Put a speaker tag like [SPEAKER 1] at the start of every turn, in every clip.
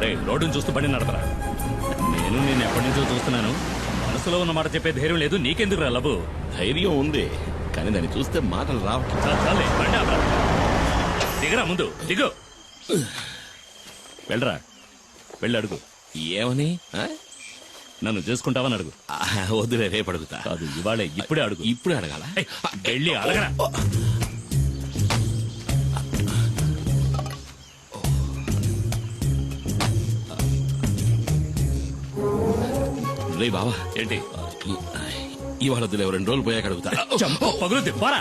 [SPEAKER 1] రోడ్డును చూస్తూ బండి నడపరా. నేను ఎప్పటి నుంచో చూస్తున్నాను. మనసులో ఉన్న మాట చెప్పే ధైర్యం లేదు. నీకెందుకు రా లబు?
[SPEAKER 2] ధైర్యం ఉంది, కానీ దాన్ని చూస్తే మాటలు రావట్లేదు.
[SPEAKER 1] చాలే బండి ఆపరా. దిగరా, ముందు దిగు. వెళ్ళరా, వెళ్ళి అడుగు.
[SPEAKER 2] ఏమని?
[SPEAKER 1] నన్ను చేసుకుంటావని అడుగు.
[SPEAKER 2] వద్దులే, రేపు అడుగుతా.
[SPEAKER 1] కాదు, ఇవాళే, ఇప్పుడే అడుగు.
[SPEAKER 2] ఇప్పుడే అడగాల?
[SPEAKER 1] వెళ్ళి అడగరా.
[SPEAKER 2] రే బావా,
[SPEAKER 1] ఏంటి?
[SPEAKER 2] ఇవాళ వద్దులే, 2 రోజులు పోయాక అడుగుతా.
[SPEAKER 1] చంప పగులుద్ది, పోరా.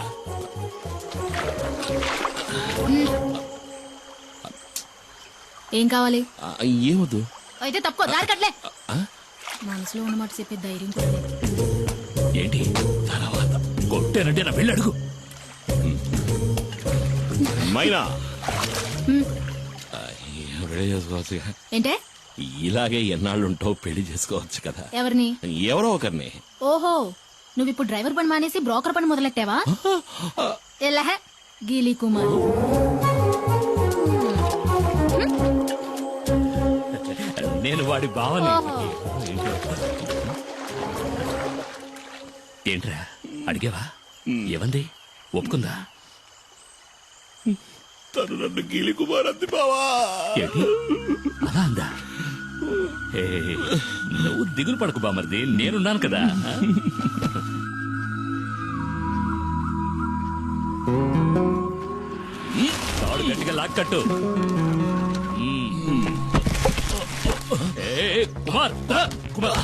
[SPEAKER 3] ఏం కావాలి?
[SPEAKER 2] ఏమొద్దు.
[SPEAKER 3] అయితే తప్పుకో, దారి కట్లే. మనసులో ఉన్నమాట చెప్పే ధైర్యం కూడా లేదు.
[SPEAKER 1] ఏంటి తర్వాత కొట్టానంటే నా వెళ్ళి అడుగు.
[SPEAKER 2] మైనా పెళ్లి చేసుకోవచ్చు.
[SPEAKER 3] ఏంటే?
[SPEAKER 2] ఇలాగే ఎన్నాళ్ళుంటావు, పెళ్లి చేసుకోవచ్చు కదా.
[SPEAKER 3] ఎవరిని?
[SPEAKER 2] ఎవరో ఒకరిని.
[SPEAKER 3] ఓహో, నువ్వు ఇప్పుడు డ్రైవర్ పని మానేసి బ్రోకర్ పని మొదలెట్టావా? ఎల్లహ గీలీ కుమార్.
[SPEAKER 1] నేను వాడి బావని. ఏంట్రా అడిగావా? ఏమంది? ఒప్పుకుందా?
[SPEAKER 2] తను నన్ను గీలి కుమార్ అంది బావా.
[SPEAKER 1] ఏంటి అలా అందా? నువ్వు దిగులు పడకు బామర్ది, నేనున్నాను కదా. తాడు గట్టిగా లాక్కట్టు. కుమార్, కుమార్.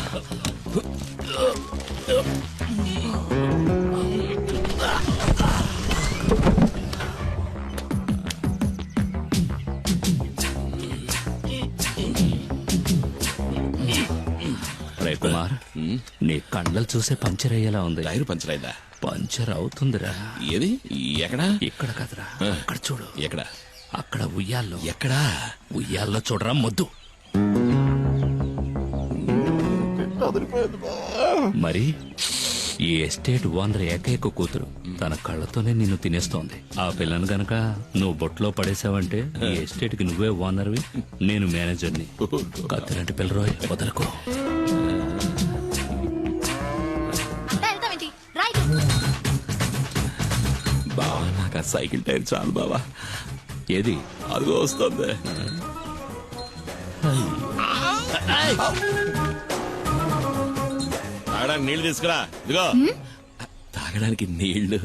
[SPEAKER 1] రే కుమార్, నీ కళ్ళలు చూసే పంచర్ అయ్యేలా ఉంది.
[SPEAKER 2] టైరు పంచర్ అయిందా?
[SPEAKER 1] పంచర్ అవుతుందిరా.
[SPEAKER 2] ఏది? ఎక్కడా?
[SPEAKER 1] ఇక్కడ కదరా, అక్కడ చూడు.
[SPEAKER 2] ఎక్కడ?
[SPEAKER 1] అక్కడ ఉయ్యాల్లో.
[SPEAKER 2] ఎక్కడా?
[SPEAKER 1] ఉయ్యాల్లో చూడరా మొద్దు. మరి ఈ ఎస్టేట్ ఓనర్ ఏకైక కూతురు తన కళ్ళతోనే నిన్ను తినేస్తోంది. ఆ పిల్లను గనక నువ్వు బొట్లో పడేసావంటే ఈ ఎస్టేట్ కి నువ్వే ఓనర్వి, నేను మేనేజర్ని. కత్తిలాంటి పిల్లరోయ్, వదలకు.
[SPEAKER 2] బావా, నాకు ఆ సైకిల్ టైర్ చాలు బావా.
[SPEAKER 1] ఏది?
[SPEAKER 2] అదిగో వస్తుంది. తాగడానికి నీళ్లు తీసుకురా. ఇదిగో తాగడానికి నీళ్లు.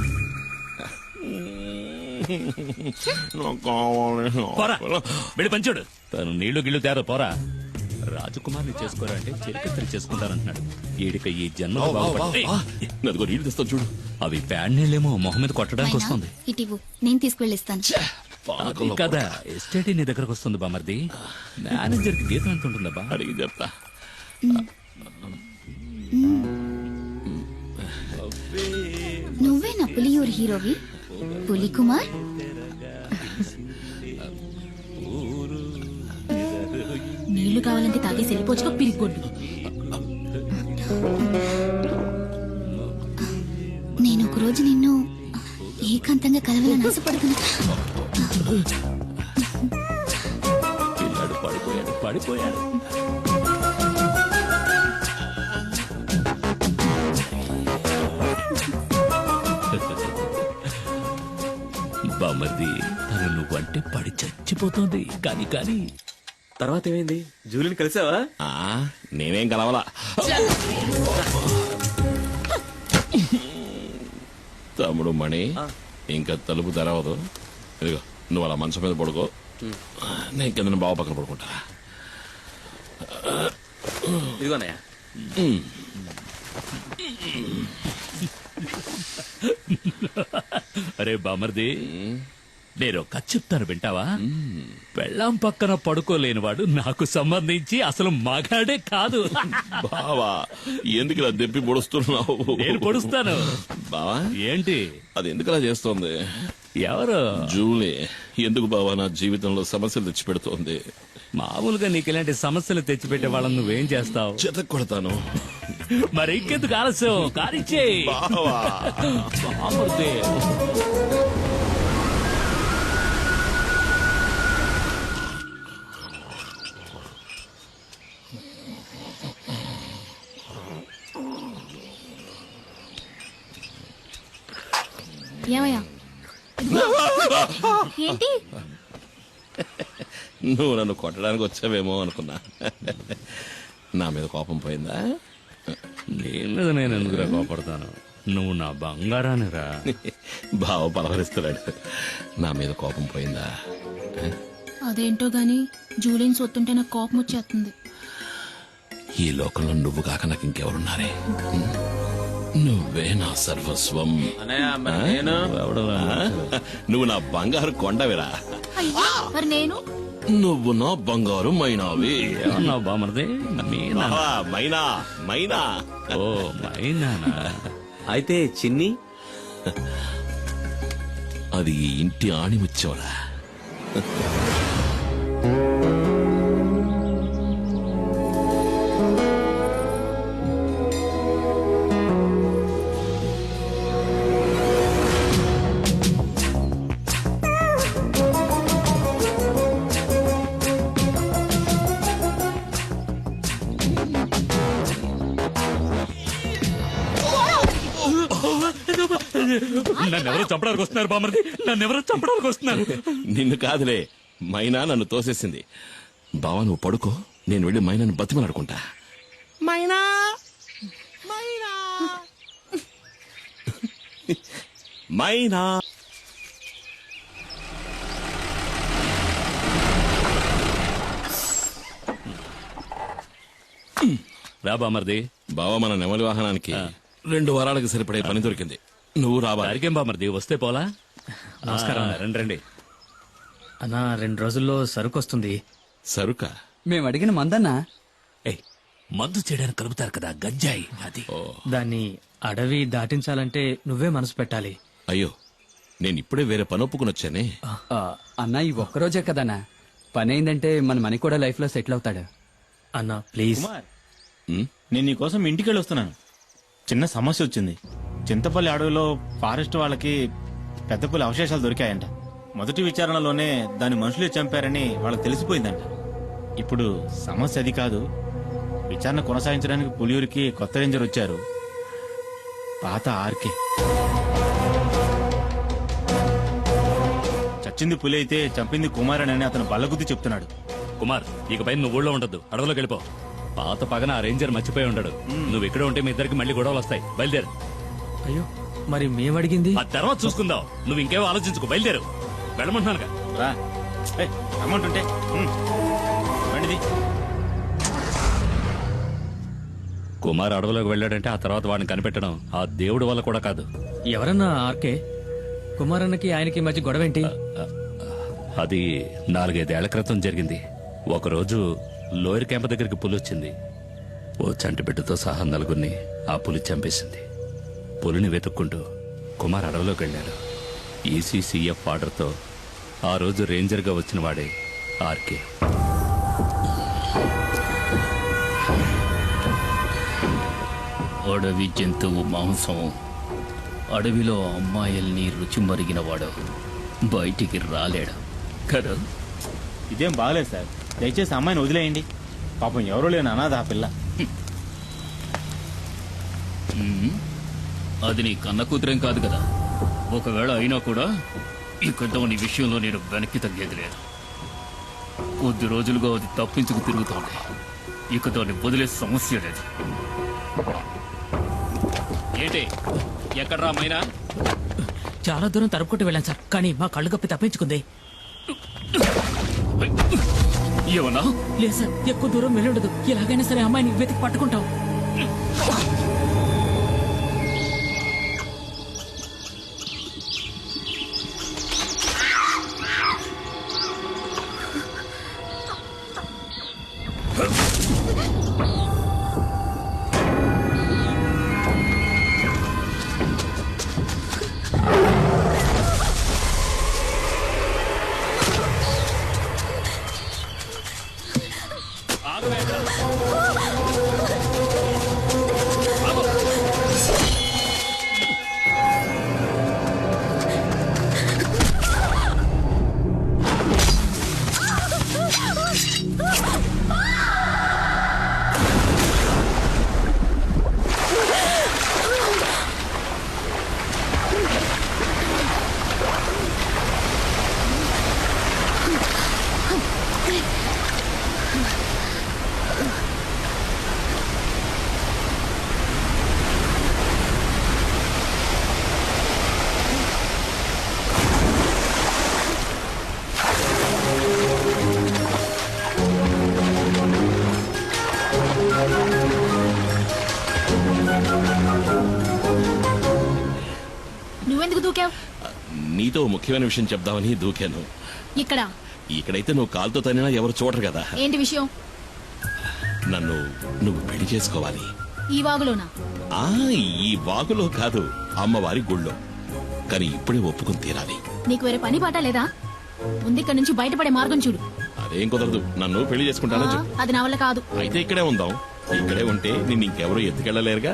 [SPEAKER 1] వెళ్ళి పంచాడు. తను నీళ్లు గిళ్ళు తేరా, పోరా. రాజకుమార్ని చేసుకోరా అంటే చెరికత్తరి చేసుకుంటానంటున్నాడు. ఈడిక ఈ జన్మ
[SPEAKER 2] అదిగో నీళ్లు తెస్తాను చూడు.
[SPEAKER 1] అవి ప్యాడ్ నీళ్ళేమో మొహం మీద కొట్టడానికి వస్తుంది.
[SPEAKER 3] ఇటివ్వు, నేను తీసుకువెళ్ళిస్తాను.
[SPEAKER 1] కదా ఎస్టేట్ నీ దగ్గరకు వస్తుంది బామర్ది. మేనేజర్ కి గీతం ఎంత ఉంటుందా?
[SPEAKER 2] అడిగి చెప్తా.
[SPEAKER 3] నువ్వే నా పులియూరు హీరోవి, పులి కుమార్. నీళ్లు కావాలంటే తాగేసి వెళ్ళిపోవచ్చుకో, పిరిగొడ్డు. నేను ఒకరోజు నిన్ను ఏకాంతంగా కలవాలని ఆశపడుతున్నా.
[SPEAKER 1] పిల్లాడు పడిపోయాడు, పడిపోయాడు. బామర్ది, తను నువ్వంటే పడి చచ్చిపోతుంది. కానీ
[SPEAKER 4] తర్వాత ఏమైంది? జూలిని కలిసావా?
[SPEAKER 2] నేనేం కలవలా. తమ్ముడు మణి, ఇంకా తలుపు తెరవదు. ఇదిగో నువ్వు అలా మంచం మీద పడుకో, నేను కింద బావ పక్కన పడుకుంటా.
[SPEAKER 4] ఇదిగోనయ్య.
[SPEAKER 1] అరే బామర్ది, నేను కథ చెప్తాను వింటావా? పెళ్ళాం పక్కన పడుకోలేనివాడు నాకు సంబంధించి అసలు మగాడే కాదు.
[SPEAKER 2] బావా, ఎందుకు ఇలా దెప్పి పొడుస్తున్నావు?
[SPEAKER 1] నేను పొడుస్తాను.
[SPEAKER 2] బావా
[SPEAKER 1] ఏంటి?
[SPEAKER 2] అది ఎందుకు ఇలా చేస్తోంది?
[SPEAKER 1] ఎవరు?
[SPEAKER 2] జూలీ. ఎందుకు బావా నా జీవితంలో సమస్యలు తెచ్చి పెడుతోంది?
[SPEAKER 1] మామూలుగా నీకు ఇలాంటి సమస్యలు తెచ్చిపెట్టే వాళ్ళని నువ్వేం చేస్తావు?
[SPEAKER 2] చెతక్ కొడతాను.
[SPEAKER 1] మరి ఇంకెందుకు ఆలస్యం? కానిచ్చే
[SPEAKER 2] బావా.
[SPEAKER 1] బామర్ది.
[SPEAKER 3] ఏంటి?
[SPEAKER 2] నువ్వు నన్ను కొట్టడానికి వచ్చావేమో అనుకున్నా. నా మీద కోపం పోయిందా?
[SPEAKER 1] నీ మీద నేను ఎందుకురా కోపడతాను? నువ్వు నా బంగారానిరా.
[SPEAKER 2] బావ పలవరిస్తున్నాడు. నా మీద కోపం పోయిందా?
[SPEAKER 3] అదేంటో గాని జూలియన్ సొత్తుంటే నాకు కోపం వచ్చేస్తుంది.
[SPEAKER 2] ఈ లోకంలో నువ్వు కాక నాకు ఇంకెవరున్నారే? నువ్వే నా సర్వస్వం.
[SPEAKER 4] అన్నయ్య మరి నేను
[SPEAKER 2] నువ్వు నా బంగారు కొండవిరా.
[SPEAKER 3] అయ్యో, మరి నేను?
[SPEAKER 2] నువ్వు నా బంగారు మైనావి.
[SPEAKER 1] ఏమన్నా బామర్ది? మీనా?
[SPEAKER 2] బావా, మైనా మైనా.
[SPEAKER 1] ఓ మైనానా?
[SPEAKER 4] అయితే చిన్ని
[SPEAKER 2] అది ఈ ఇంటి ఆణిముచ్చోరా.
[SPEAKER 1] నన్నెవరో చంపడానికి వస్తున్నారు బామర్ది, నన్నెవరో చంపడానికి వస్తున్నారు.
[SPEAKER 2] నిన్ను కాదులే, మైనా నన్ను తోసేసింది. బావా నువ్వు పడుకో, నేను వెళ్ళి మైనాను బతిమలాడుకుంటా. మైనా మైనా మైనా.
[SPEAKER 1] రా బామర్ది.
[SPEAKER 2] బావా మన నెమలి వాహనానికి 2 వారాలకు సరిపడే పని దొరికింది. నువ్వు రావాలి.
[SPEAKER 1] దారికేం బామర్ది, వస్తే పోలా? నమస్కారం. రండి రండి.
[SPEAKER 5] అన్నా 2 రోజుల్లో సరుకు వస్తుంది.
[SPEAKER 2] సరుక?
[SPEAKER 6] మేము అడిగిన మందన్నా.
[SPEAKER 1] ఏయ్, మందు చేయడానికి కలుపుతారు కదా, గంజాయి అది.
[SPEAKER 5] దాన్ని అడవి దాటించాలంటే నువ్వే మనసు పెట్టాలి.
[SPEAKER 2] అయ్యో, నేను ఇప్పుడే వేరే పని ఒప్పుకుని వచ్చానే.
[SPEAKER 6] అన్నా ఈ ఒక్కరోజే కదన్నా, పని అయిందంటే మన మనీ కూడా లైఫ్ లో సెటిల్ అవుతాడు.
[SPEAKER 5] అన్నా ప్లీజ్.
[SPEAKER 7] నేను నీకోసం ఇంటికి వెళ్ళి వస్తున్నాను. చిన్న సమస్య వచ్చింది. చింతపల్లి అడవిలో ఫారెస్ట్ వాళ్ళకి పెద్ద పులి అవశేషాలు దొరికాయంట. మొదటి విచారణలోనే దాని మనుషులే చంపారని వాళ్ళకి తెలిసిపోయిందంట. ఇప్పుడు సమస్య అది కాదు. విచారణ కొనసాగించడానికి పులియూరికి కొత్త రేంజర్ వచ్చారు, పాత ఆర్కే. చచ్చింది పులి అయితే చంపింది కుమారన్ అని అతను బల్లగుద్ది చెప్తున్నాడు.
[SPEAKER 1] కుమార్, ఇకపై నువ్వు ఊళ్ళో ఉండద్దు, అడవిలోకి వెళ్ళిపో. పాత పగన ఆ రేంజర్ మర్చిపోయి ఉండడు. నువ్వు ఇక్కడ ఉంటే మీ ఇద్దరికి మళ్ళీ గొడవలు వస్తాయి. బయలుదేరు.
[SPEAKER 5] అయ్యో, మరి మేమడిగింది?
[SPEAKER 1] ఆ తర్వాత చూసుకుందాం. నువ్వు ఇంకేమో ఆలోచించుకో, బయలుదేరు. వెళ్ళమంటున్నానుగా.
[SPEAKER 7] రా, అమౌంట్ ఉంటే రండిది.
[SPEAKER 1] కుమార్ అడవిలోకి వెళ్ళాడంటే ఆ తర్వాత వాడిని కనిపెట్టడం ఆ దేవుడి వల్ల కూడా కాదు.
[SPEAKER 5] ఎవరన్నా ఆర్కే? కుమారన్నకి ఆయనకి మధ్య గొడవేంటి?
[SPEAKER 1] అది 4-5 ఏళ్ల క్రితం జరిగింది. ఒకరోజు లోయర్ క్యాంప్ దగ్గరికి పులి వచ్చింది. ఓ చంటి బిడ్డతో సహా 4గురిని ఆ పులి చంపేసింది. పులిని వెతుక్కుంటూ కుమార్ అడవిలోకి వెళ్ళాడు. ఈసీసీఎఫ్ ఆర్డర్తో ఆ రోజు రేంజర్గా వచ్చిన వాడే ఆర్కే.
[SPEAKER 8] అడవి జంతువు మాంసం, అడవిలో అమ్మాయిల్ని రుచి మరిగినవాడు బయటికి రాలేడు కదా.
[SPEAKER 7] ఇదేం బాగలేదు సార్, దయచేసి అమ్మాయిని వదిలేయండి. పాపం ఎవరూ లేని అనాథ ఆ పిల్ల.
[SPEAKER 8] అది నీ కన్న కూతురేం కాదు కదా. ఒకవేళ అయినా కూడా ఇక దాని విషయంలో నేను వెనక్కి తగ్గేది లేదు. కొద్ది రోజులుగా అది తప్పించుకు తిరుగుతోంది. ఇక దాన్ని వదిలే సమస్య లేదు.
[SPEAKER 1] ఏంటి ఎక్కడ్రా మైనా?
[SPEAKER 5] చాలా దూరం తరుపుకుంటూ వెళ్ళాను సార్, కానీ మా కళ్ళు కప్పి తప్పించుకుంది.
[SPEAKER 8] ఏమన్నా?
[SPEAKER 5] లేదు సార్, ఎక్కువ దూరం వెళ్ళుండదు. ఎలాగైనా సరే అమ్మాయిని వెతికి పట్టుకుంటాం.
[SPEAKER 2] నీతో ఓ ముఖ్యమైన విషయం చెప్దామని దూకాను.
[SPEAKER 3] ఇక్కడ
[SPEAKER 2] ఇక్కడైతే నువ్వు కాలుతో తనినా ఎవరు చూడరు కదా.
[SPEAKER 3] ఏంటి విషయం?
[SPEAKER 2] నువ్వు పెళ్లి చేసుకోవాలి.
[SPEAKER 3] ఈ వాగులోనా?
[SPEAKER 2] ఆ ఈ వాగులో కాదు, అమ్మవారి గుళ్ళో. కానీ ఇప్పుడే ఒప్పుకుని తీరాలి.
[SPEAKER 3] నీకు వేరే పని పాట లేదా? ముందు ఇక్కడ నుంచి బయటపడే మార్గం చూడు.
[SPEAKER 2] అదేం కుదరదు. నన్ను పెళ్లి చేసుకుంటానని చెప్పు.
[SPEAKER 3] అది నా వల్ల కాదు.
[SPEAKER 2] అయితే ఇక్కడే ఉందాం. ఇక్కడే ఉంటే నిన్ను ఇంకెవరూ ఎత్తుకెళ్ళలేరుగా.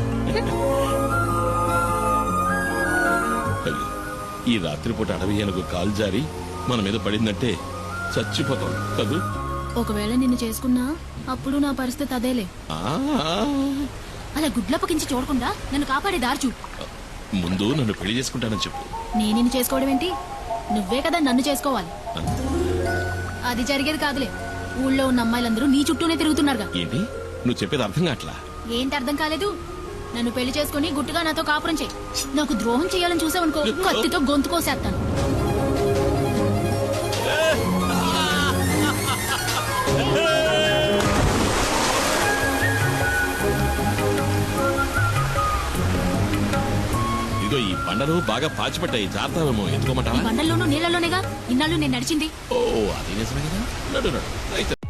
[SPEAKER 2] అయ్యో, ఈ రాత్రిపూట అడవి ఏనుగు కాలు జారి మన మీద పడిందంటే చచ్చిపోతాం కదూ.
[SPEAKER 3] ఒకవేళ నిన్ను చేసుకున్నా అప్పుడు నా పరిస్థితి అదేలే.
[SPEAKER 2] ఆ,
[SPEAKER 3] అలా గుడ్లప్పకించి చూడకుండా నన్ను కాపాడే దారి చూడు.
[SPEAKER 2] ముందు నన్ను పెళ్లి చేసుకుంటానని చెప్పు.
[SPEAKER 3] నేను నిన్ను చేసుకోవడం ఏంటి? నువ్వే కదా నన్ను చేసుకోవాలి. అది జరిగేది కాదులే. ఊళ్ళో ఉన్న అమ్మాయిలందరూ నీ చుట్టూనే తిరుగుతున్నారుగా.
[SPEAKER 2] ఏంటి నువ్వు చెప్పేది అర్థం కావట్లా?
[SPEAKER 3] ఏంటి అర్థం కాలేదు? నన్ను పెళ్లి చేసుకుని గుట్టుగా నాతో కాపురం చేయి. నాకు ద్రోహం చేయాలని చూసావనుకో, కత్తితో గొంతు కోసేస్తాను.
[SPEAKER 2] ఇదిగో ఈ బండలు బాగా పాచిపట్టాయి, జాగ్రత్తమేమో. ఎత్తుకోమంటావా?
[SPEAKER 3] బండల్లోనూ నీళ్లలోనేగా ఇన్నాళ్ళు నేను నడిచింది.
[SPEAKER 2] ఓ అది నిజమే కదా. నడు నడు అయితే